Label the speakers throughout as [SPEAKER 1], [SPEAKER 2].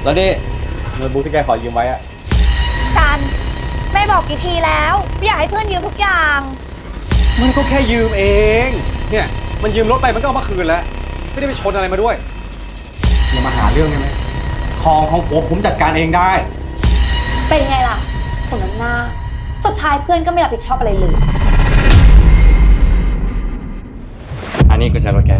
[SPEAKER 1] แล้วนี่โน้ตบุ๊กที่แกขอยืมไว้อะ
[SPEAKER 2] กันแม่บอกกี่ทีแล้วอยากให้เพื่อนยืมทุกอย่าง
[SPEAKER 1] มันก็แค่ยืมเองเนี่ยมันยืมรถไปมันก็เอามาคืนแล้วไม่ได้ไปชนอะไรมาด้วยอย่ามาหาเรื่องได้ไหมของผมจัดการเองได้
[SPEAKER 2] เป็นไงล่ะสมน้ำหน้าสุดท้ายเพื่อนก็ไม่รับผิดชอบอะไรเลย
[SPEAKER 3] อันนี้ก็ใช้รถแก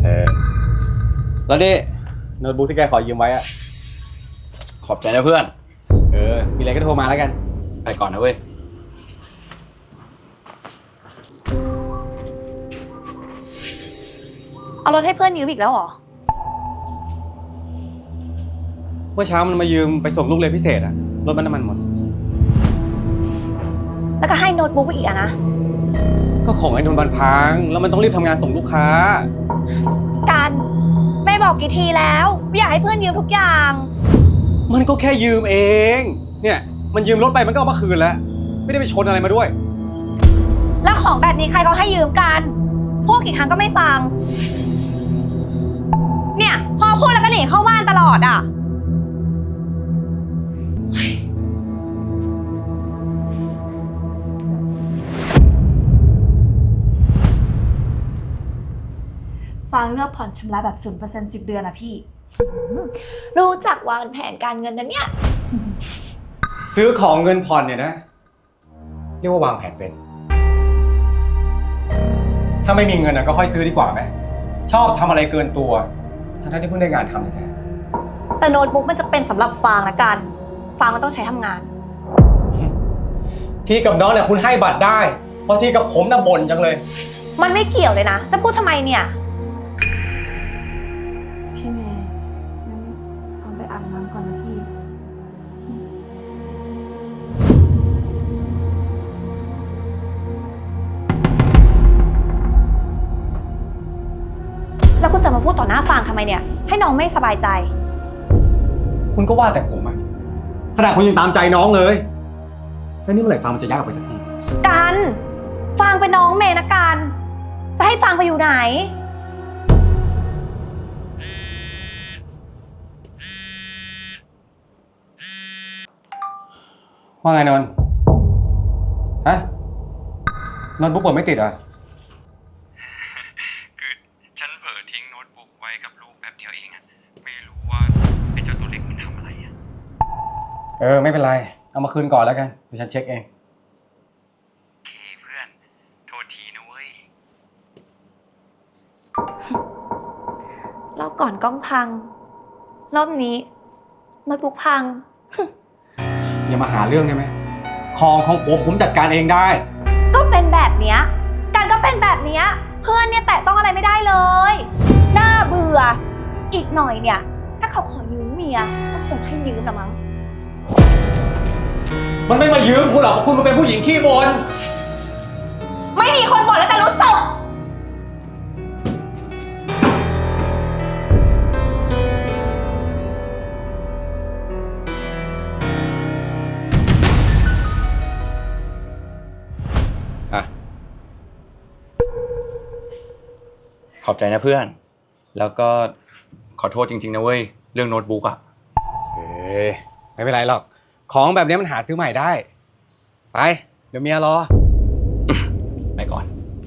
[SPEAKER 1] แล้วนี่โน้ตบุ๊กที่แกขอยืมไว้อะ
[SPEAKER 3] ขอบใจนะเพื่อน
[SPEAKER 1] มีอะไรก็โทรมาแล้วกัน
[SPEAKER 3] ไปก่อนนะเว้ย
[SPEAKER 2] เอารถให้เพื่อนยืมอีกแล้วเหรอ
[SPEAKER 1] เมื่อเช้ามันมายืมไปส่งลูกเรียนพิเศษอะรถมันน้ำมันหมด
[SPEAKER 2] แล้วก็ให้โน้ตบุ๊กไปอีกอะนะ
[SPEAKER 1] ก็ของไอ้นนท์มันพังแล้วมันต้องรีบทำงานส่งลูกค้า
[SPEAKER 2] กันแม่บอกกี่ทีแล้วอยากให้เพื่อนยืมทุกอย่าง
[SPEAKER 1] มันก็แค่ยืมเองเนี่ยมันยืมรถไปมันก็เอามาคืนแล้วไม่ได้ไปชนอะไรมาด้วย
[SPEAKER 2] แล้วของแบบนี้ใครเขาให้ยืมกันพูดกี่ครั้งก็ไม่ฟังเนี่ยพอพูดแล้วก็หนีเข้าบ้านตลอดอ่ะฟังเลือกผ่อนชำระแบบ 0% 10 เดือนอะพี่รู้จักวางแผนการเงินนะเนี่ย
[SPEAKER 1] ซื้อของเงินผ่อนเนี่ยนะเรียกว่าวางแผนเป็นถ้าไม่มีเงินนะก็ค่อยซื้อดีกว่าไหมชอบทำอะไรเกินตัวทั้งที่เพิ่งได้งานทำแท้
[SPEAKER 2] แต่โน้ตบุ๊กมันจะเป็นสำหรับฟางนะกันฟางมันต้องใช้ทำงาน
[SPEAKER 1] ที่กับน้องเนี่ยคุณให้บัตรได้เพราะที่กับผมน่ะบ่นจังเลย
[SPEAKER 2] มันไม่เกี่ยวเลยนะจะพูดทำไมเนี่ยพี่เมย์งั้นเอาไปอาบน้ำก่อนนะพี่แล้วคุณจะมาพูดต่อหน้าฟางทำไมเนี่ยให้น้องไม่สบายใจ
[SPEAKER 1] คุณก็ว่าแต่ผมอะขนาดคุณยังตามใจน้องเลยแล้วนี่เมื่อไหร่ฟางมันจะยากไปสักที
[SPEAKER 2] กันฟางเป็นน้องเมย์นะกันจะให้ฟางไปอยู่ไหน
[SPEAKER 1] ว่าไงนนท์ฮะโน้ตบุ๊กเปิดไม่ติดอ่ะ
[SPEAKER 3] คือฉันเผลอทิ้งโน้ตบุ๊กไว้กับลูกแบบเดียวเองอะไม่รู้ว่าไอ้เจ้าตัวเล็กมันทำอะไรอะ
[SPEAKER 1] ไม่เป็นไรเอามาคืนก่อนแล้วกันเดี๋ยวฉันเช็คเอง
[SPEAKER 3] เคเพื่อนโทษทีนะเว้ย
[SPEAKER 2] รอบก่อนกล้องพังรอบนี้โน้ตบุ๊กพัง
[SPEAKER 1] อย่ามาหาเรื่องได้ไหมของผมจัดการเองได้
[SPEAKER 2] ก็เป็นแบบเนี้ยกันก็เป็นแบบเนี้ยเพื่อนเนี่ยแตะต้องอะไรไม่ได้เลยน่าเบื่ออีกหน่อยเนี่ยถ้าเขาขอยืมเมียก็คงให้ยืมละมั้ง
[SPEAKER 1] มันไม่มายืมคุณหรอกคุณมันเป็นผู้หญิงขี้บ่น
[SPEAKER 2] ไม่มีคนบ่นแล้วจะรู้สึก
[SPEAKER 3] ขอบใจนะเพื่อนแล้วก็ขอโทษจริงๆนะเว้ยเรื่องโน้ตบุ๊กอะ
[SPEAKER 1] ไม่เป็นไรหรอกของแบบนี้มันหาซื้อใหม่ได้ไปเดี๋ยวเมียรอ
[SPEAKER 3] ไปก่อน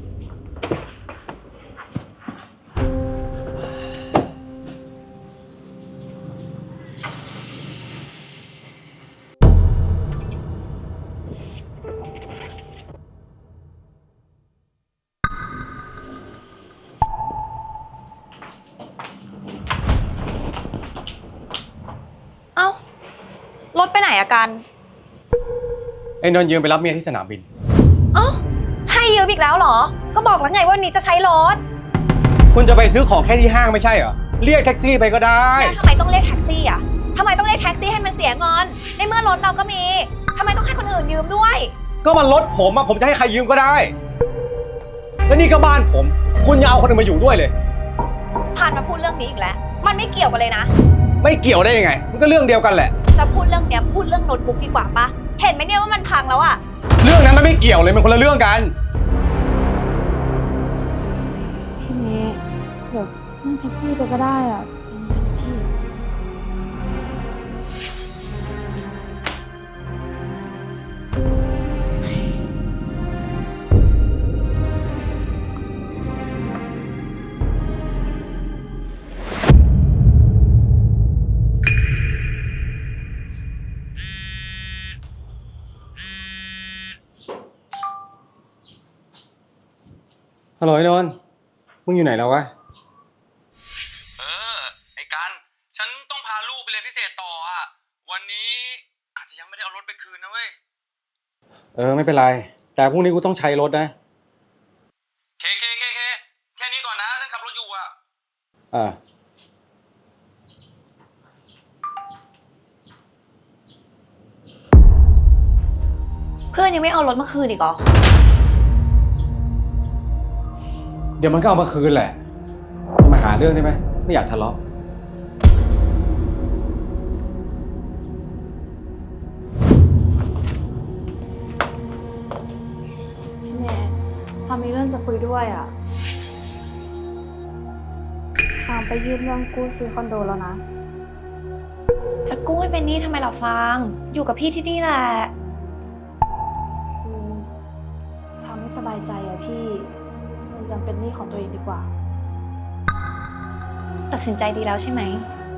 [SPEAKER 2] รถไปไหนอะกัน
[SPEAKER 1] ไอ้นนท์ยืมไปรับเมียที่สนามบิน
[SPEAKER 2] ให้ยืมอีกแล้วเหรอก็บอกแล้วไงว่านี้จะใช้รถ
[SPEAKER 1] คุณจะไปซื้อของแค่ที่ห้างไม่ใช่เหรอเรียกแท็กซี่ไปก็ได้
[SPEAKER 2] แล้วทำไมต้องเรียกแท็กซี่อะทำไมต้องเรียกแท็กซี่ให้มันเสียเงินในเมื่อรถเราก็มีทำไมต้องให้คนอื่นยืมด้วย
[SPEAKER 1] ก็มันรถผมอะผมจะให้ใครยืมก็ได้แล้วนี่ก็บ้านผมคุณอย่าเอาคนอื่นมาอยู่ด้วยเลย
[SPEAKER 2] ผ่านมาพูดเรื่องนี้อีกแล้วมันไม่เกี่ยวกันเลยนะ
[SPEAKER 1] ไม่เกี่ยวได้ยังไงมันก็เรื่องเดียวกันแหละ
[SPEAKER 2] จะพูดเรื่องเนี้ยพูดเรื่องโน้ตบุ๊กดีกว่าปะเห็นไหมเนี่ยว่ามันพังแล้วอะ
[SPEAKER 1] เรื่องนั้นมันไม่เกี่ยวเลยมันคนละเรื่องกัน
[SPEAKER 2] พี่เมย์เดี๋ยวนั่งแท็กซี่ไปก็ได้อะจริงๆพี่
[SPEAKER 1] ฮัลโหลไอ้นนท์มึงอยู่ไหนแล้ววะ
[SPEAKER 3] ไอ้กันฉันต้องพาลูกไปเรียนพิเศษต่ออ่ะวันนี้อาจจะยังไม่ได้เอารถไปคืนนะเว้ย
[SPEAKER 1] ไม่เป็นไร แต่พรุ่งนี้กูต้องใช้รถนะ
[SPEAKER 3] เคแค่นี้ก่อนนะฉันขับรถอยู่อ่ะ
[SPEAKER 1] อ่า
[SPEAKER 2] เพื่อนยังไม่เอารถมาคืนอีกเหรอ
[SPEAKER 1] เดี๋ยวมันก็เอามาคืนแหละมาหาเรื่องได้ไหมไม่อยากทะเลาะ
[SPEAKER 4] พี่เมย์พามีเรื่องจะคุยด้วยอ่ะฟางไปยื่นเรื่องกู้ซื้อคอนโดแล้วนะ
[SPEAKER 2] จะกู้ให้เป็นหนี้ทำไมล่ะฟาง อยู่กับพี่ที่นี่แหละ
[SPEAKER 4] คือฟางไม่สบายใจอะพี่มันยังเป็นหนี้ของตัวเองดีกว่า
[SPEAKER 2] ตัดสินใจดีแล้วใช่ไหม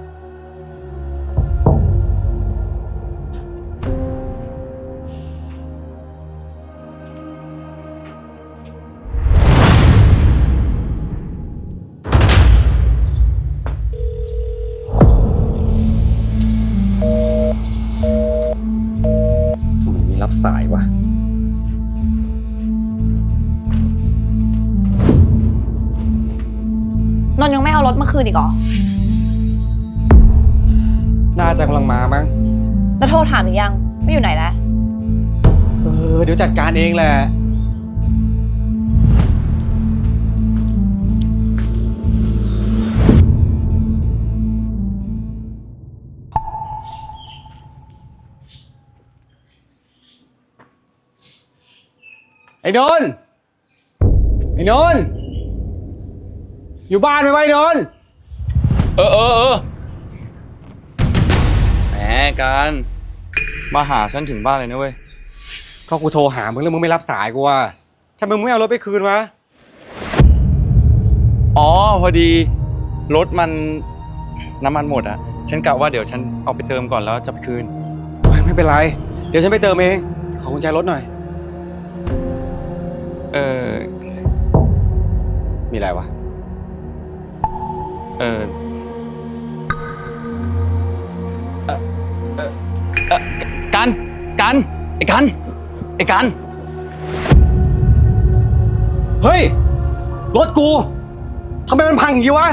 [SPEAKER 1] ทำไมมีรับสายวะ
[SPEAKER 2] นนท์ยังไม่เอารถมาคืนอีกเหรอ
[SPEAKER 1] น่าจะกำลังมามั้ง
[SPEAKER 2] แล้วโทรถามหรือยังว่าอยู่ไหนแล้ว
[SPEAKER 1] เดี๋ยวจัดการเองแหละ ไอ้นนท์อยู่บ้านไหมวะไอ้นนท์
[SPEAKER 3] เออแหมกันมาหาฉันถึงบ้านเลยนะเว้ย
[SPEAKER 1] ก็กูโทรหามึงแล้วมึงไม่รับสายกูว่ะทำไมมึงไม่เอารถไปคืนวะ
[SPEAKER 3] อ๋อพอดีรถมันน้ำมันหมดอ่ะฉันกะว่าเดี๋ยวฉันเอาไปเติมก่อนแล้วจะไปคืน
[SPEAKER 1] ไม่เป็นไร เดี๋ยวฉันไปเติมเอง ขอกุญแจรถหน่อย มีอะไรวะ
[SPEAKER 3] กันไอ้กัน
[SPEAKER 1] เฮ้ย รถกู ทำไมมันพังอย่างนี้วะ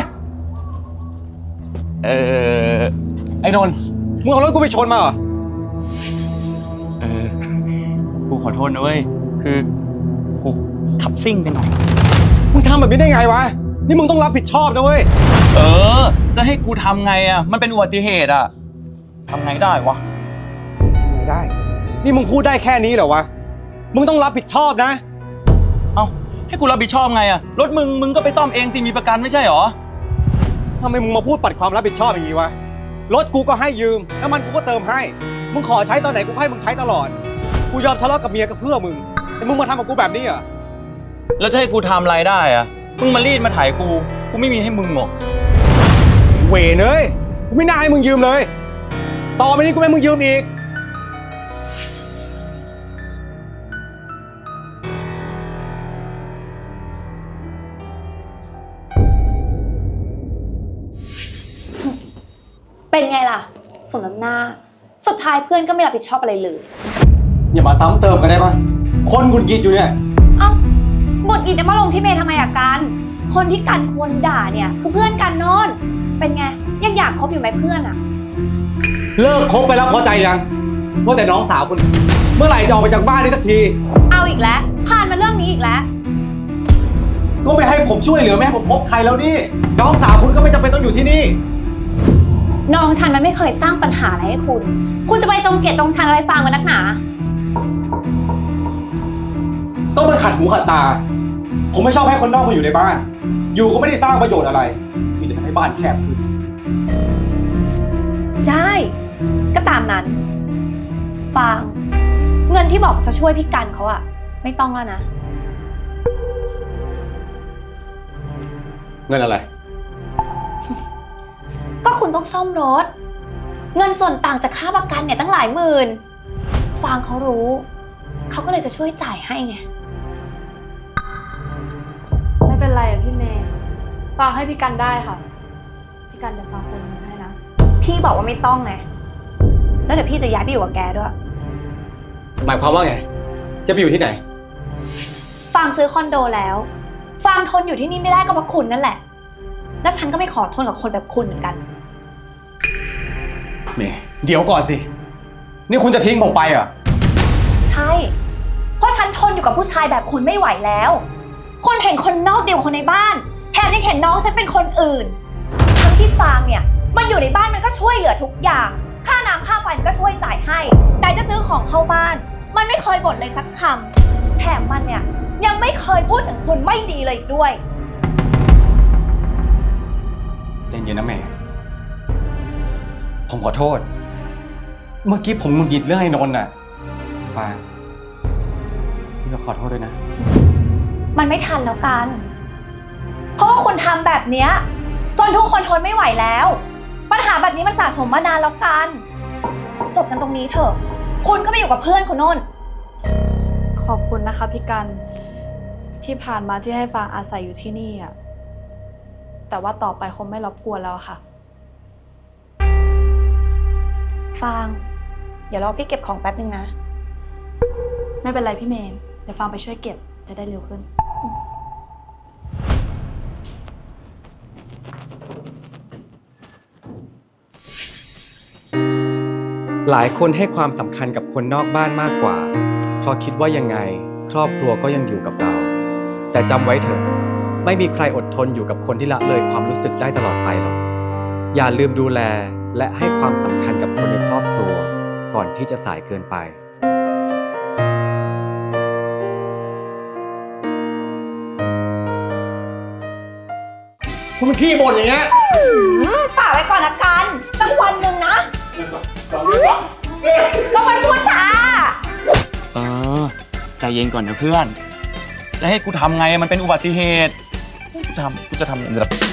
[SPEAKER 1] ไอ้นนท์มึงเอารถกูไปชนมาเหรอ
[SPEAKER 3] กูขอโทษนะเว้ยคือกูขับซิ่งไปหน่อย
[SPEAKER 1] มึงทำแบบนี้ได้ไงวะ นี่มึงต้องรับผิดชอบนะเว้ย
[SPEAKER 3] จะให้กูทำไงอ่ะมันเป็นอุบัติเหตุอ่ะทำไงได้วะ
[SPEAKER 1] ไม่ได้ นี่มึงพูดได้แค่นี้เหรอวะ มึงต้องรับผิดชอบนะ
[SPEAKER 3] เอ้าให้กูรับผิดชอบไงอ่ะรถมึงก็ไปซ่อมเองสิมีประกันไม่ใช่หรอ
[SPEAKER 1] ทำไมมึงมาพูดปัดความรับผิดชอบอย่างนี้วะ รถกูก็ให้ยืม น้ำมันกูก็เติมให้ มึงขอใช้ตอนไหนกูให้มึงใช้ตลอด กูยอมทะเลาะกับเมียก็เพื่อมึง แต่มึงมาทำกับกูแบบนี้เหรอ
[SPEAKER 3] แล้วจะให้กูทำอะไรได้อ่ะมึงมารีดมาถ่ายกูไม่มีให้มึงหรอก
[SPEAKER 1] เวรเอ้ยกูไม่น่าให้มึงยืมเลย ต่อไปนี้กูไม่ให้มึงยืมอีก
[SPEAKER 2] เป็นไงล่ะ สมน้ำหน้า สุดท้ายเพื่อนก็ไม่รับผิดชอบอะไรเลย
[SPEAKER 1] อย่ามาซ้ำเติมกันได้ปะคนหงุดหงิดอยู่เนี่ย
[SPEAKER 2] เอ้าบทอิดมาลงที่เมย์ทำไมอะกัน คนที่กันควรด่าเนี่ยคือเพื่อนกันโนนเป็นไง ยังอยากคบอยู่ไหมเพื่อนอะ
[SPEAKER 1] เลิกคบไปแล้วพอใจยัง ว่าแต่น้องสาวคุณ เมื่อไหร่จะออกไปจากบ้านนี้สักที
[SPEAKER 2] เอาอีกแล้ว ผ่านมาเรื่องนี้อีกแล้ว
[SPEAKER 1] ก็ไม่ให้ผมช่วยเหลือไม่ให้ผมพบใครแล้วนี่ น้องสาวคุณก็ไม่จำเป็นต้องอยู่ที่นี่
[SPEAKER 2] น้องฉันมันไม่เคยสร้างปัญหาอะไรให้คุณ คุณจะไปจงเกลียดจงชังอะไรฟังมันนักหนา
[SPEAKER 1] ต้องมาขัดหูขัดตา ผมไม่ชอบให้คนนอกมาอยู่ในบ้าน อยู่ก็ไม่ได้สร้างประโยชน์อะไร มีแต่ทำให้บ้านแคบขึ้น
[SPEAKER 2] ได้ ก็ตามนั้น ฟาง เงินที่บอกจะช่วยพี่กันเขาอะไม่ต้องแล้วนะ
[SPEAKER 1] เงินอะไร
[SPEAKER 2] ก็คุณต้องซ่อมรถ เงินส่วนต่างจากค่าประกันเนี่ยตั้งหลายหมื่น ฟางเขารู้ เขาก็เลยจะช่วยจ่ายให้ไง
[SPEAKER 4] ไรอะพี่เมย์ฟางให้พี่กันได้ค่ะ พี่กันเดี๋ยวฟางโอนเงินให้นะ
[SPEAKER 2] พี่บอกว่าไม่ต้องไง แล้วเดี๋ยวพี่จะย้ายไปอยู่กับแกด้วย
[SPEAKER 1] หมายความว่าไง จะไปอยู่ที่ไหน
[SPEAKER 2] ฟางซื้อคอนโดแล้ว ฟางทนอยู่ที่นี่ไม่ได้ก็เพราะคุณนั่นแหละ แล้วฉันก็ไม่ขอทนกับคนแบบคุณเหมือนกัน
[SPEAKER 1] เมย์เดี๋ยวก่อนสิ นี่คุณจะทิ้งผมไปเหรอ
[SPEAKER 2] ใช่ เพราะฉันทนอยู่กับผู้ชายแบบคุณไม่ไหวแล้ว คุณเห็นคนนอกเดียวกับคนในบ้าน แถมยังเห็นน้องฉันเป็นคนอื่น ทั้งที่ฟางเนี่ย มันอยู่ในบ้านมันก็ช่วยเหลือทุกอย่าง ค่าน้ำค่าไฟมันก็ช่วยจ่ายให้ไหนจะซื้อของเข้าบ้าน มันไม่เคยบ่นเลยสักคำแถมมันเนี่ยยังไม่เคยพูดถึงคุณไม่ดีเลยอีกด้วย
[SPEAKER 1] ใจเย็นนะเมย์ผมขอโทษ เมื่อกี้ผมหงุดหงิดเรื่องไอ้นนท์น่ะฟางพี่ก็ขอโทษด้วยนะ
[SPEAKER 2] มันไม่ทันแล้วกัน เพราะว่าคุณทำแบบเนี้ยจนทุกคนทนไม่ไหวแล้ว ปัญหาแบบนี้มันสะสมมานานแล้วกัน จบกันตรงนี้เถอะ คุณก็ไปอยู่กับเพื่อนคุณโน่น
[SPEAKER 4] ขอบคุณนะคะพี่กันที่ผ่านมาที่ให้ฟางอาศัยอยู่ที่นี่อะแต่ว่าต่อไปคงไม่รบกวนแล้วค่ะ
[SPEAKER 2] ฟาง เดี๋ยวรอพี่เก็บของแป๊บนึงนะ
[SPEAKER 4] ไม่เป็นไรพี่เมย์เดี๋ยวฟางไปช่วยเก็บจะได้เร็วขึ้น
[SPEAKER 1] หลายคนให้ความสำคัญกับคนนอกบ้านมากกว่า เพราะคิดว่ายังไงครอบครัวก็ยังอยู่กับเรา แต่จำไว้เถอะ ไม่มีใครอดทนอยู่กับคนที่ละเลยความรู้สึกได้ตลอดไปหรอก อย่าลืมดูแลและให้ความสำคัญกับคนในครอบครัว ก่อนที่จะสายเกินไป คุณมันขี้บ่นอย่างเงี้ย
[SPEAKER 2] ฝากไว้ก่อนละกันสักวันหนึ่งนะก็มันพูดช้า
[SPEAKER 3] ใจเย็นก่อนนะเพื่อน จะให้กูทำไงมันเป็นอุบัติเหตุ กูจะทำแบบ